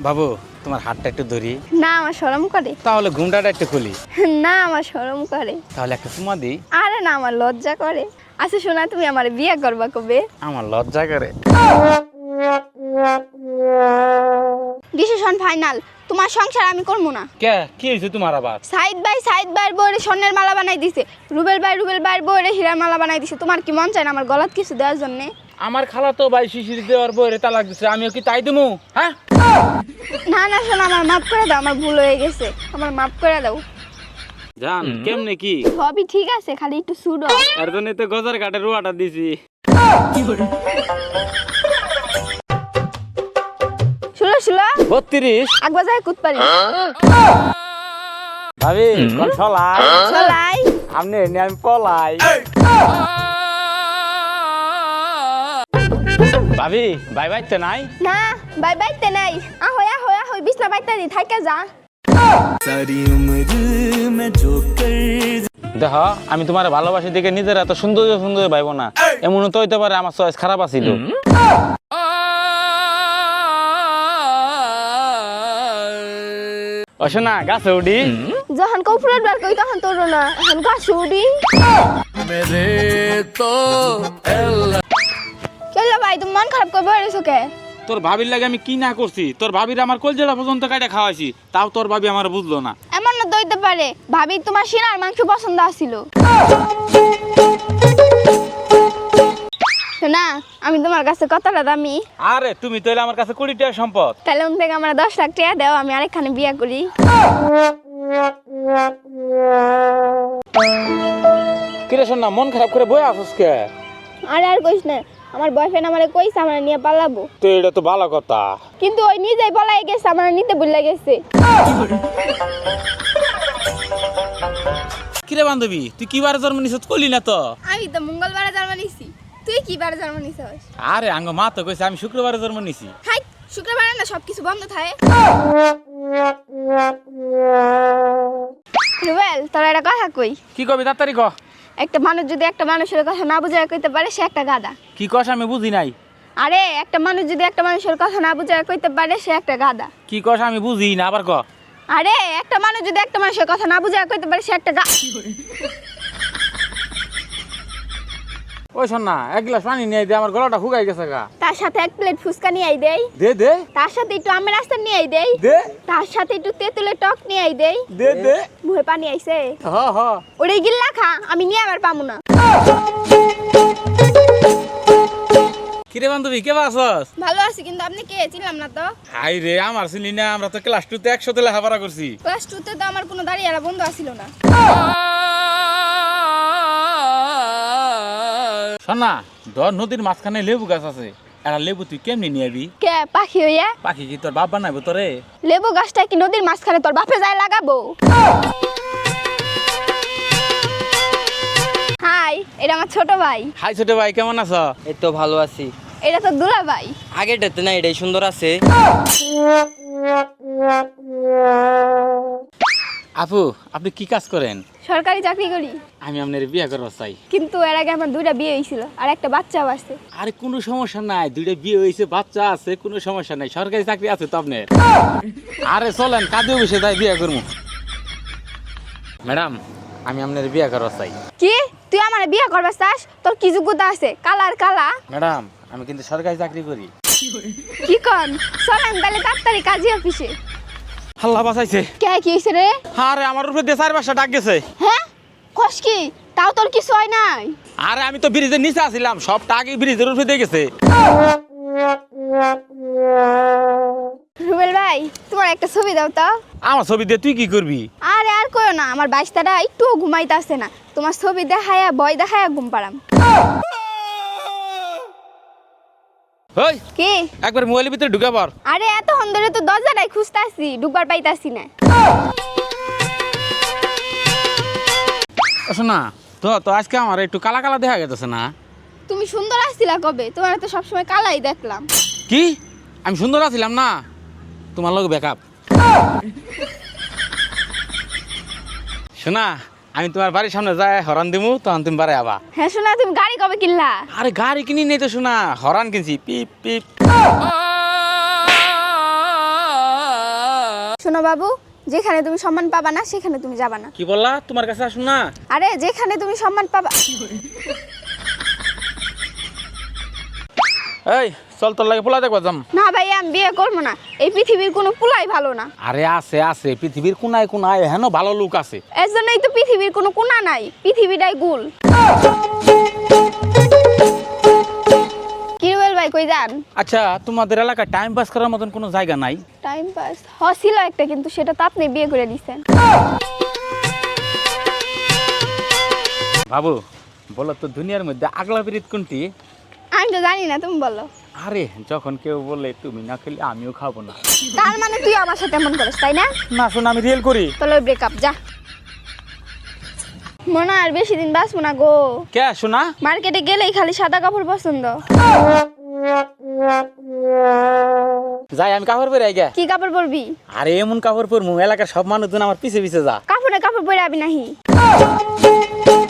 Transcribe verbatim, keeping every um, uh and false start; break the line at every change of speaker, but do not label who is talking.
বাবু তোমার হাতটা একটু ধরি।
না আমার শরম করে।
তাহলে ঘুমটাটা একটু খুলি।
না আমার শরম করে।
তাহলে একটা চুমা দিই।
আরে না আমার লজ্জা করে। আচ্ছা শোনা, তুমি আমার বিয়ে করবা কবে?
আমার লজ্জা করে।
ডিসিশন ফাইনাল, তোমার সংসার আমি করবো না।
কে কি হয়েছে তোমার আবার?
সাইদ ভাই সাইদ ভাইয়ের বউরে স্বর্ণের মালা বানাই দিছে, রুবেল ভাই রুবেল ভাইয়ের বউরে হীরার মালা বানাই দিছে। তোমার কি মন চায় না আমার গলাত কিছু দেওয়ার জন্য?
আমার খালা তো ভাই শিশির দেওয়ার বইরে তালাক দিছে, আমিও কি তাই দেবো? হ্যাঁ
না না শোনো, আমার মাফ করে দাও, আমার ভুল হয়ে গেছে, আমার মাফ করে দাও।
জান কেমনে কি
সবই ঠিক আছে, খালি একটু সুডো।
এর জন্য তো গজার কাটে রুয়াটা দিছি।
শুলো শুলো
বত্রিশ
একবার যাই কুত পারি।
ভাবি কোন ছলাই
চলাই
আপনি এনে আমি পলাই। ভাবি ভাই বাইতে নাই?
না বাই বাইতে নাই। আহই আহই আহই বিছনা বাইতে দি থাইকা যা।
सारी उम्र में जो कर
দেখ আমি তোমার ভালোবাসি দেখে নিজের এত সুন্দর সুন্দর ভাইব না, এমন তো হইতে পারে আমার চয়েস খারাপ আছিল। অশো না গাছে উডি
যখন কৌফুলের বার কই তখন তোর না, এখন গাছ উড়ি।
मेरे तो
কেলা ভাই তুমি মন খারাপ করে বেরিয়েছো কে?
তোর ভাবির লাগে আমি কি না করছি? তোর ভাবির আমার কলজেলা পর্যন্ত কাটা খাওয়াইছি, তাও তোর ভাবি আমার বুঝলো না।
এমন না দইতে পারে, ভাবি তোমার সিনার মাংস পছন্দ আছিল না। আমি তোমার কাছে কতটা দামি?
আরে তুমি তো আমার কাছে কোটি টাকার সম্পদ।
তাহলে উন থেকে আমার দশ লাখ টাকা দাও, আমি আরেকখানে বিয়ে করি।
কিরে শোন না, মন খারাপ করে বই আসস কে?
আরে আর কইস না, আমার বয়ফ্রেন্ড আমারে কইছে আমরা নিয়ে পালাবো,
তো এটা তো ভালো কথা।
কিন্তু ওই নিজেই পলাই গেছে, আমরা নিতে ভুলে গেছে।
কিরে বান্ধবী তুই কি বারে জন্ম নিছিস কইলি না তো?
আমি তো মঙ্গলবারে জন্ম নিছি, তুই কি বারে জন্ম নিছিস?
আরে আঙ্গ মা তো কইছে আমি শুক্রবারে জন্ম নিছি।
হাই শুক্রবারে না সবকিছু বন্ধ থাকে। রুবেল তোর একটা কথা কই।
কি কবি তাড়াতাড়ি ক।
একটা মানুষ যদি একটা মানুষের কথা না বুঝায় কইতে পারে সে একটা গাধা।
কি কস আমি বুঝি নাই।
আরে একটা মানুষ যদি একটা মানুষের কথা না বুঝায় কইতে পারে সে একটা গাধা।
কি কস আমি বুঝি না, আবার ক।
আরে একটা মানুষ যদি একটা মানুষের কথা না বুঝায় কইতে পারে সে একটা গা।
ওই শোন না, এক গ্লাস পানি নিয়ে দে, আমার গলাটা শুকাই গেছে গা।
তার সাথে এক প্লেট ফুচকা নিয়ে আই দেই।
দে দে
তার সাথে একটু আমের আচার নিয়ে আই দেই।
দে
তার সাথে একটু তেঁতুলের টক নিয়ে আই দেই।
দে দে
মুখে পানি আইছে।
হ হ
ওরে গিল্লা খা, আমি নিয়ে আবার পামু না।
কিরে বান্ধবী কে বাসস?
ভালো আছি, কিন্তু আপনি কে চিনলাম না তো।
হাই রে আমার চিনি না, আমরা তো ক্লাস টু তে একসাথে লেখাপড়া করছি।
ক্লাস টু তে তো আমার কোনো দাঁড়িয়ে বন্ধু আসিল না।
শোন না, ধর নদীর মাঝখানে লেবু গাছ আছে, একটা লেবু তুই কেমনি নিয়ে আবি?
কে পাখি হইয়া?
পাখি কি তোর বাপ বানাইবো তোরে?
লেবু গাছটা কি নদীর মাঝখানে তোর বাপে যায় লাগাবো? হাই, এটা আমার ছোট ভাই।
হাই ছোট ভাই কেমন আছো?
এই তো ভালো আছি।
এটা তো দুলা ভাই।
আগেরটাতে না এটাই সুন্দর আছে।
আপু আপনি কি কাজ করেন?
সরকারি চাকরি করি,
আমি আপনার বিয়ে করবো চাই।
কিন্তু এর আগে আমার দুইটা বিয়ে হয়েছিল আর একটা বাচ্চাও আছে।
আরে কোনো সমস্যা নাই, দুইটা বিয়ে হয়েছে বাচ্চা আছে, কোনো সমস্যা নাই, সরকারি চাকরি আছে তো আপনার। আরে চলেন কাজে বসে তাই বিয়ে করবো। ম্যাডাম আমি আপনার বিয়ে করবো চাই।
কি তুই আমার বিয়ে করবা চাস? তোর কি যোগ্যতা আছে? কালার কালা।
ম্যাডাম আমি কিন্তু সরকারি চাকরি করি।
কি কন? চলেন তাহলে তাড়াতাড়ি কাজী অফিসে।
আল্লাহ বাঁচাইছে।
কে কি হয়েছে রে?
আরে আমার উপরে দিয়ে চার পাঁচটা ডাক গেছে।
হ্যাঁ কস কি? তাও তোর কিছু হয় নাই?
আরে আমি তো ব্রিজের নিচে আসছিলাম, সব টাকা ব্রিজের উপরে দিয়ে গেছে।
রুবেল ভাই তোমার একটা ছবি দাও তো।
আমার ছবি দিয়ে তুই কি করবি?
আরে আর কইও না, আমার বাইশটারা একটু ঘুমাইতেছে না, তোমার ছবি দেখায়া ভয় দেখায়া ঘুম পাড়াম।
ওই
কি?
একবার মোবাইলের ভিতরে ঢুকে পড়।
আরে এত ধরে তো দরজাটাই খুঁজতাছি, ঢুকবার পাইতাছি না।
শোনা তো তো আজকে আমার একটু কালা কালা দেখা গেছে না?
তুমি সুন্দর আসছিলা কবে? তোমার তো সবসময় কালাই দেখলাম।
কি আমি সুন্দর আছিলাম না? তোমার লোক ব্যাকআপ। শোনা আমি তোমার বাড়ির সামনে যাই হরান দিমু, তখন তুমি বাড়ি আবা।
হ্যাঁ শোনা, তুমি গাড়ি কবে কিনলা?
আরে গাড়ি কিনি নেই তো শোনা, হরান কিনছি, পিপ পিপ।
শোনো বাবু, যেখানে তুমি সম্মান পাবা না সেখানে তুমি যাবা না।
কি বললা? তোমার কাছে আসুন না।
আরে যেখানে তুমি সম্মান পাবা।
এই চল, তোর লাগে পোলা দেখবা যাম।
না ভাই, আমি বিয়ে করবো না। এই পৃথিবীর কোনো পোলাই ভালো না।
আরে আছে আছে, পৃথিবীর কোনায় কোনায় হেন ভালো লোক আছে।
এর জন্যই তো পৃথিবীর কোনো কোনা নাই, পৃথিবীটাই গুল। কি রুবেল ভাই, কই যান?
আচ্ছা, তোমাদের এলাকায় টাইম পাস করার মতন কোনো জায়গা নাই?
টাইম পাস হ ছিল একটা, কিন্তু সেটা তো আপনি বিয়ে করে দিচ্ছেন।
বাবু বলো তো, দুনিয়ার মধ্যে আগলা বিরিত কোনটি?
আমি তো জানি না, তুমি বলো।
আরে যখন কেউ বলে তুমি না খেলে আমিও খাবো না।
তার মানে তুই আমার সাথে এমন করিস, তাই না?
না শোন, আমি রিয়েল করি।
তাহলে ব্রেকআপ, যা। মনে হয় আর বেশি দিন বাঁচবো না গো।
কে শোনা?
মার্কেটে গেলেই খালি সাদা কাপড় পছন্দ।
যাই আমি কাপড় পরে আইগা।
কি কাপড় পরবি?
আরে এমন কাপড় পরমু এলাকার সব মানুষজন আমার পিছে পিছে যা।
কাপড়ে কাপড় পরে আবি নাহি।